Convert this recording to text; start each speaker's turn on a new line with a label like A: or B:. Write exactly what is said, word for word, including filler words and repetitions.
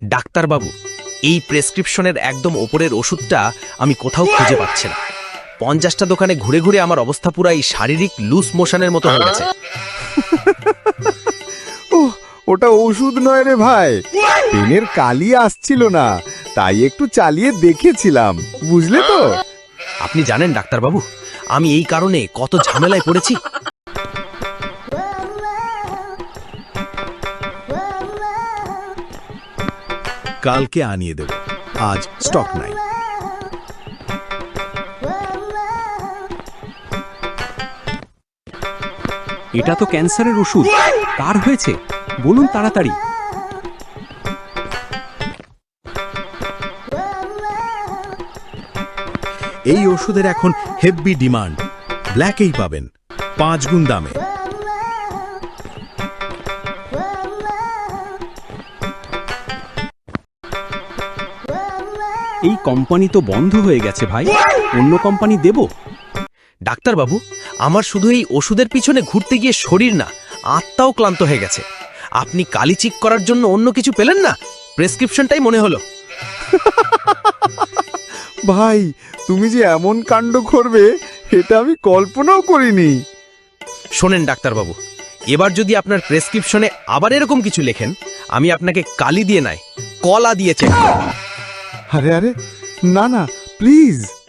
A: ডাক্তারবাবু, এই প্রেসক্রিপশনের একদম ওপরের ওষুধটা আমি কোথাও খুঁজে পাচ্ছি না। পঞ্চাশটা দোকানে ঘুরে ঘুরে আমার অবস্থা পুরাই শারীরিক লুজ মোশনের মতো হয়ে গেছে।
B: ওহ, ওটা ওষুধ নয় রে ভাই, পেনের কালি আসছিল না, তাই একটু চালিয়ে দেখেছিলাম, বুঝলে তো?
A: আপনি জানেন ডাক্তারবাবু, আমি এই কারণে কত ঝামেলায় পড়েছি।
B: কালকে আনিয়ে দেব, আজ স্টক নাই।
C: এটা তো ক্যান্সারের ওষুধ। কার হয়েছে বলুন তাড়াতাড়ি।
B: এই ওষুধের এখন হেভি ডিমান্ড, ব্ল্যাকেই পাবেন, পাঁচ গুণ দামে।
C: এই কোম্পানি তো বন্ধ হয়ে গেছে ভাই, অন্য কোম্পানি দেব।
A: ডাক্তারবাবু, আমার শুধু এই ওষুধের পিছনে ঘুরতে গিয়ে শরীর না, আত্মাও ক্লান্ত হয়ে গেছে। আপনি কালি চিক করার জন্য অন্য কিছু পেলেন না? প্রেসক্রিপশনটাই মনে হলো।
B: ভাই, তুমি যে এমন কাণ্ড করবে এটা আমি কল্পনাও করিনি।
A: শোনেন ডাক্তারবাবু, এবার যদি আপনার প্রেসক্রিপশনে আবার এরকম কিছু লেখেন, আমি আপনাকে কালি দিয়ে নয়, কলা দিয়ে চেক করব।
B: আরে আরে, না না, প্লিজ।